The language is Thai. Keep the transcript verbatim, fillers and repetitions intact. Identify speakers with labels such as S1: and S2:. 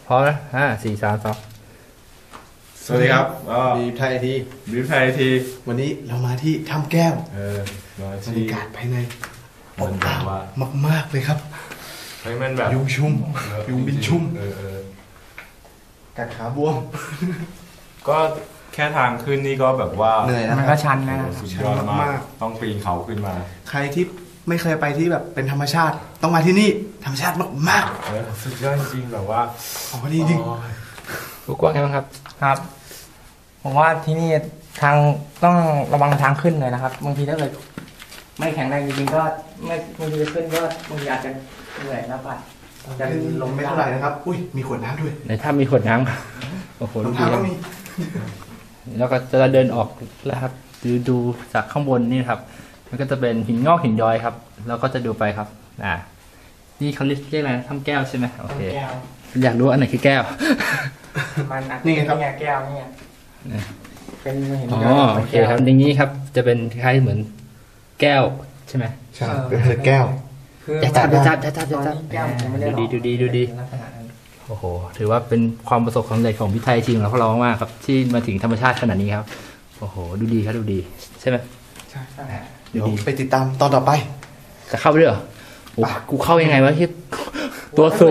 S1: พร้อมนะห้าสี่สามสอง
S2: สวัสดีครับ
S3: บีฟไทยที
S2: บีฟไทยที
S3: วันนี้เรามาที่ถ้ำแก้ว
S2: เออบ
S3: รรยากาศภายใน
S2: มันแบบว่าม
S3: ากมากเลยครับ
S2: เฮ้ยมันแบบ
S3: ยุงชุ่มยุงบินชุ่ม
S2: เออเออ
S3: กัดขาบวม
S2: ก็แค่ทางขึ้นนี่ก็แบบว่า
S3: เหนื่อยนะ
S1: มันก็ชันนะ
S2: สุดยอดมากต้องปีนเขาขึ้นมา
S3: ใครที่ไม่เคยไปที่แบบเป็นธรรมชาติต้องมาที่นี่ธรรมชาติมาก
S2: ๆเออสุดยอดจริงแบบว่า
S3: ของดีจริง
S1: รู้กว้างไงบ้างครับ
S4: ครับผมว่าที่นี่ทางต้องระวังทางขึ้นเลยนะครับบางทีถ้าเกิดไม่แข็งแรงจริงๆก็ไม่บางทีขึ้นก็บางทีอาจจะเหนื่อยแล้วป่ะ
S3: จะลงไม่เท่าไหร่นะครับอุ้ยมีขวดน้ำด้วย
S1: ในถ้ำมีขวดน้ำโอ้โห
S3: รองเท้าก็มี
S1: แล้วก็จะเดินออกแล้วครับดูดูจากข้างบนนี่ครับมันก็จะเป็นหินงอกหินย้อยครับแล้วก็จะดูไปครับอ่านี่เขาเรียกเรียกอะไรถ้ำแก้วใช่ไหมโอเคอยากรู้อันไหนคือแก้ว
S4: มันนี่ครับแก้วนี่เป็นหิน
S1: อ๋อโอเคครับอย่างนี้ครับจะเป็นคล้ายเหมือนแก้วใช่ไหม
S3: ใช่เป็นแก้ว
S1: จะจับจะจับจะจับจะจับดูดีดูดีดูดีโอ้โหถือว่าเป็นความประสบความสำเร็จของพี่ไทยจริงแล้วพวกเรามากครับที่มาถึงธรรมชาติขนาดนี้ครับโอ้โหดูดีครับดูดีใช่ไหม
S3: ใช่เดี๋ยวไปติดตามตอนต่อไป
S1: จะเข้าไปด้วยเหรอโอ้กูเข้ายังไงวะที่ตัวสูง